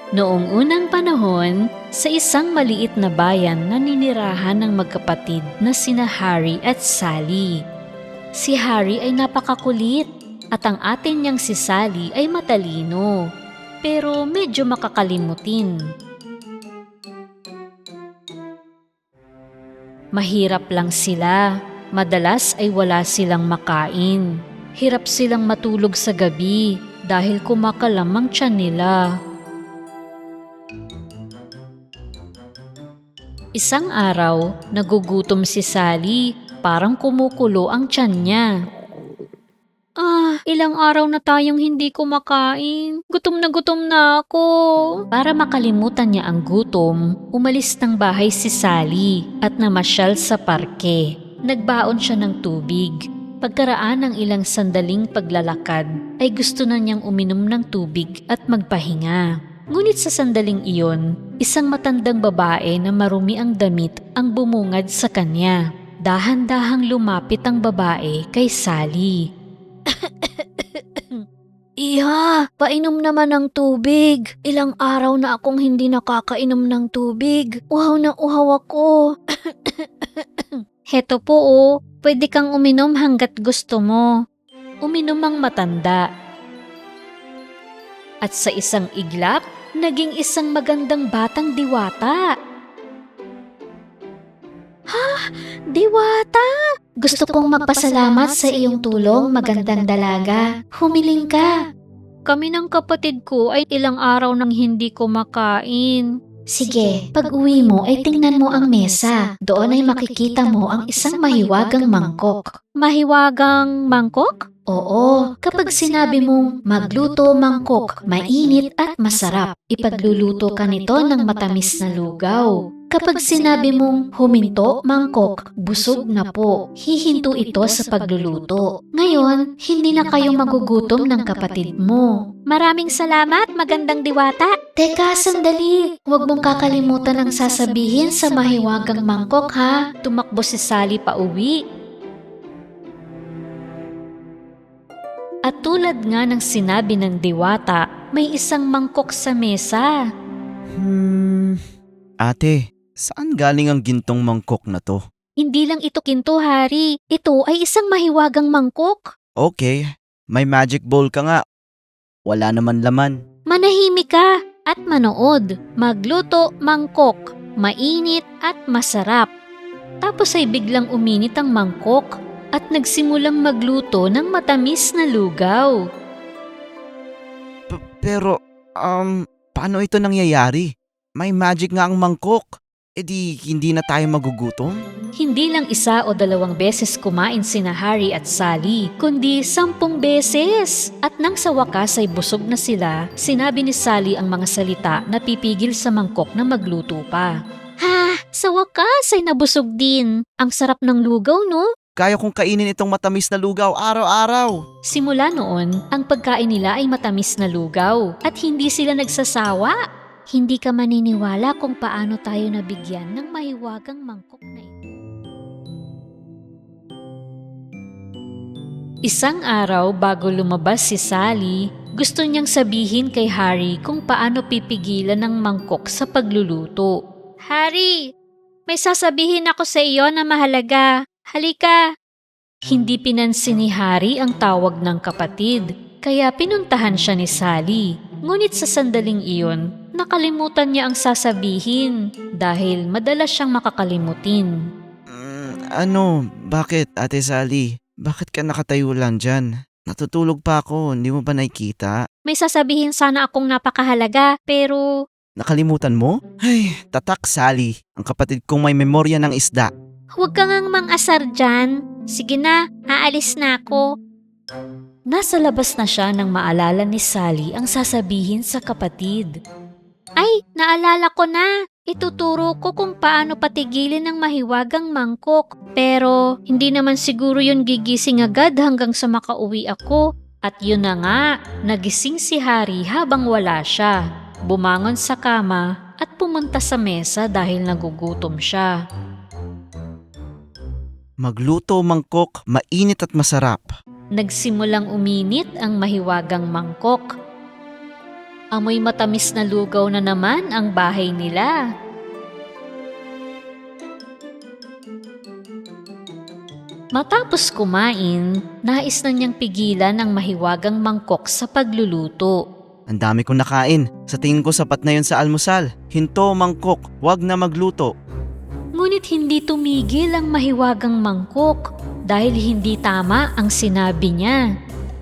Noong unang panahon, sa isang maliit na bayan naninirahan ng magkapatid na sina Harry at Sally. Si Harry ay napakakulit at ang atin niyang si Sally ay matalino, pero medyo makakalimutin. Mahirap lang sila, madalas ay wala silang makain. Hirap silang matulog sa gabi dahil kumakalam ang tiyan nila. Isang araw, nagugutom si Sally, parang kumukulo ang tiyan niya. Ilang araw na tayong hindi kumakain. Gutom na ako. Para makalimutan niya ang gutom, umalis ng bahay si Sally at namasyal sa parke. Nagbaon siya ng tubig. Pagkaraan ng ilang sandaling paglalakad, ay gusto na niyang uminom ng tubig at magpahinga. Ngunit sa sandaling iyon, isang matandang babae na marumi ang damit ang bumungad sa kanya. Dahan-dahang lumapit ang babae kay Sally. Iha, painom naman ng tubig. Ilang araw na akong hindi nakakainom ng tubig. Uhaw na uhaw ako. Heto po pwede kang uminom hanggat gusto mo. Uminom ang matanda. At sa isang iglap, naging isang magandang batang diwata. Diwata! Gusto kong magpasalamat sa iyong tulong, magandang dalaga. Humiling ka. Kami ng kapatid ko ay ilang araw nang hindi kumakain. Sige, pag uwi mo ay tingnan mo ang mesa. Doon ay makikita mo ang isang mahiwagang mangkok. Mahiwagang mangkok? Oo, kapag sinabi mong magluto mangkok, mainit at masarap, ipagluluto ka nito ng matamis na lugaw. Kapag sinabi mong huminto mangkok, busog na po, hihinto ito sa pagluluto. Ngayon, hindi na kayo magugutom ng kapatid mo. Maraming salamat, magandang diwata. Teka, sandali. Huwag mong kakalimutan ang sasabihin sa mahiwagang mangkok ha. Tumakbo si Sally pauwi. At tulad nga ng sinabi ng diwata, may isang mangkok sa mesa. Ate, saan galing ang gintong mangkok na to? Hindi lang ito ginto, Hari. Ito ay isang mahiwagang mangkok. Okay, may magic bowl ka nga. Wala naman laman. Manahimik ka at manood. Magluto mangkok, mainit at masarap. Tapos ay biglang uminit ang mangkok at nagsimulang magluto ng matamis na lugaw. Pero, paano ito nangyayari? May magic nga ang mangkok. E di hindi na tayo magugutom? Hindi lang isa o dalawang beses kumain sina Harry at Sally, kundi 10 beses. At nang sa wakas ay busog na sila, sinabi ni Sally ang mga salita na pipigil sa mangkok na magluto pa. Ha! Sa wakas ay nabusog din. Ang sarap ng lugaw, no? Kaya kong kainin itong matamis na lugaw araw-araw. Simula noon, ang pagkain nila ay matamis na lugaw at hindi sila nagsasawa. Hindi ka maniniwala kung paano tayo nabigyan ng mahiwagang mangkok na ito. Isang araw bago lumabas si Sally, gusto niyang sabihin kay Harry kung paano pipigilan ng mangkok sa pagluluto. Harry, may sasabihin ako sa iyo na mahalaga. Halika! Hindi pinansin ni Harry ang tawag ng kapatid, kaya pinuntahan siya ni Sally. Ngunit sa sandaling iyon, nakalimutan niya ang sasabihin dahil madalas siyang makakalimutin. Bakit Ate Sally? Bakit ka nakatayo lang dyan? Natutulog pa ako, hindi mo ba nakikita? May sasabihin sana akong napakahalaga pero... Nakalimutan mo? Ay, tatak Sally, ang kapatid kong may memorya ng isda. Huwag ka ngang mang-asar dyan. Sige na, aalis na ako. Nasa labas na siya nang maalala ni Sally ang sasabihin sa kapatid. Ay, naalala ko na. Ituturo ko kung paano patigilin ang mahiwagang mangkok. Pero hindi naman siguro yun gigising agad hanggang sa makauwi ako. At yun na nga, nagising si Harry habang wala siya. Bumangon sa kama at pumunta sa mesa dahil nagugutom siya. Magluto mangkok, mainit at masarap. Nagsimulang uminit ang mahiwagang mangkok. Amoy matamis na lugaw na naman ang bahay nila. Matapos kumain, nais na niyang pigilan ang mahiwagang mangkok sa pagluluto. Ang dami kong nakain. Sa tingin ko sapat na yun sa almusal. Hinto, mangkok. Huwag na magluto. Ngunit hindi tumigil ang mahiwagang mangkok dahil hindi tama ang sinabi niya.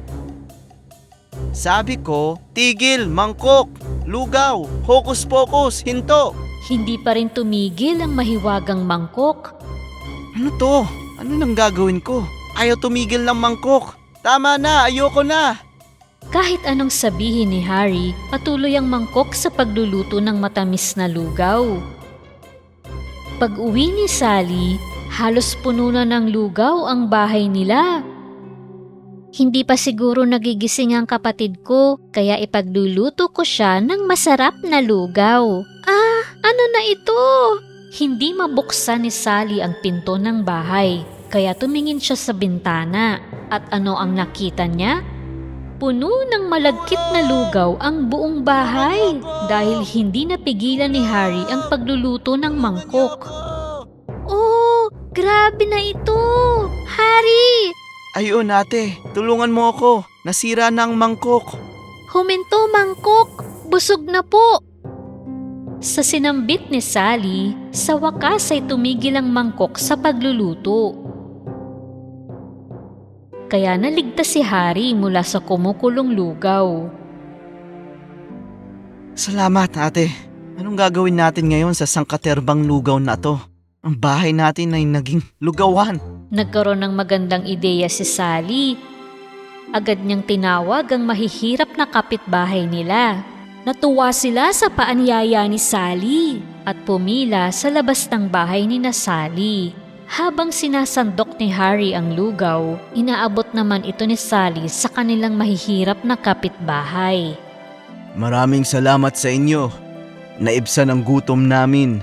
Sabi ko, tigil, mangkok, lugaw, hokus pokus, hinto. Hindi pa rin tumigil ang mahiwagang mangkok. Ano to? Ano nang gagawin ko? Ayaw tumigil ng mangkok. Tama na, ayoko na. Kahit anong sabihin ni Harry, patuloy ang mangkok sa pagluluto ng matamis na lugaw. Pag-uwi ni Sally, halos puno na ng lugaw ang bahay nila. Hindi pa siguro nagigising ang kapatid ko, kaya ipagluluto ko siya ng masarap na lugaw. Ah, ano na ito? Hindi mabuksan ni Sally ang pinto ng bahay, kaya tumingin siya sa bintana. At ano ang nakita niya? Puno ng malagkit na lugaw ang buong bahay dahil hindi napigilan ni Harry ang pagluluto ng mangkok. Oh, grabe na ito! Harry! Ayun ate, tulungan mo ako. Nasira na ang mangkok. Huminto, mangkok! Busog na po! Sa sinambit ni Sally, sa wakas ay tumigil ang mangkok sa pagluluto. Kaya naligtas si Harry mula sa kumukulong lugaw. Salamat ate. Anong gagawin natin ngayon sa sangkaterbang lugaw na to? Ang bahay natin ay naging lugawan. Nagkaroon ng magandang ideya si Sally. Agad niyang tinawag ang mahihirap na kapitbahay nila. Natuwa sila sa paanyaya ni Sally at pumila sa labas ng bahay ni na Sally. Habang sinasandok ni Harry ang lugaw, inaabot naman ito ni Sally sa kanilang mahihirap na kapitbahay. Maraming salamat sa inyo. Naibsan ang gutom namin.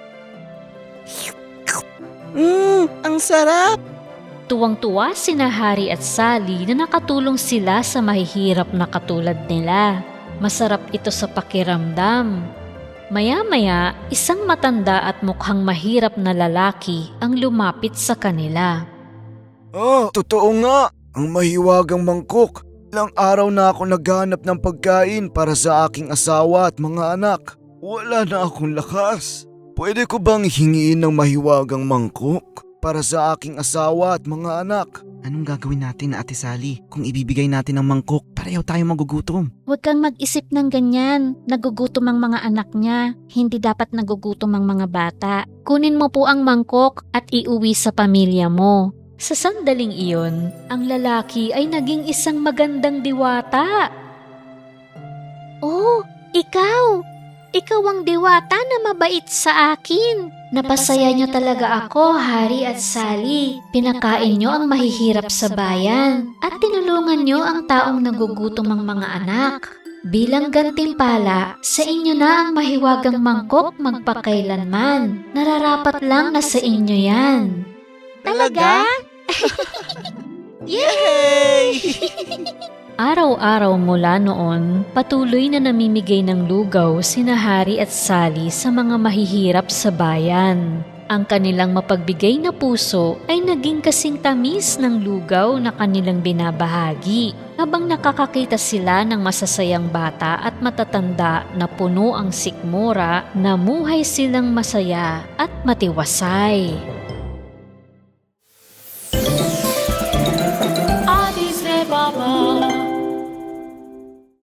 Ang sarap! Tuwang-tuwa sina Harry at Sally na nakatulong sila sa mahihirap na katulad nila. Masarap ito sa pakiramdam. Maya-maya, isang matanda at mukhang mahirap na lalaki ang lumapit sa kanila. Totoo nga. Ang mahiwagang mangkok. Ilang araw na ako naghanap ng pagkain para sa aking asawa at mga anak. Wala na akong lakas. Pwede ko bang hingiin ng mahiwagang mangkok para sa aking asawa at mga anak? Anong gagawin natin, Ate Sally, kung ibibigay natin ang mangkok? Pareho tayo magugutom. Huwag kang mag-isip ng ganyan. Nagugutom ang mga anak niya. Hindi dapat nagugutom ang mga bata. Kunin mo po ang mangkok at iuwi sa pamilya mo. Sa sandaling iyon, ang lalaki ay naging isang magandang diwata. Oh, ikaw! Ikaw ang diwata na mabait sa akin. Napasaya niyo talaga ako, Harry at Sally. Pinakain niyo ang mahihirap sa bayan at tinulungan niyo ang taong nagugutom ang mga anak. Bilang gantimpala, sa inyo na ang mahiwagang mangkok magpakailanman. Nararapat lang na sa inyo yan. Talaga? Yay! Araw-araw mula noon, patuloy na namimigay ng lugaw sina Harry at Sally sa mga mahihirap sa bayan. Ang kanilang mapagbigay na puso ay naging kasing tamis ng lugaw na kanilang binabahagi habang nakakakita sila ng masasayang bata at matatanda na puno ang sikmura, namuhay silang masaya at matiwasay.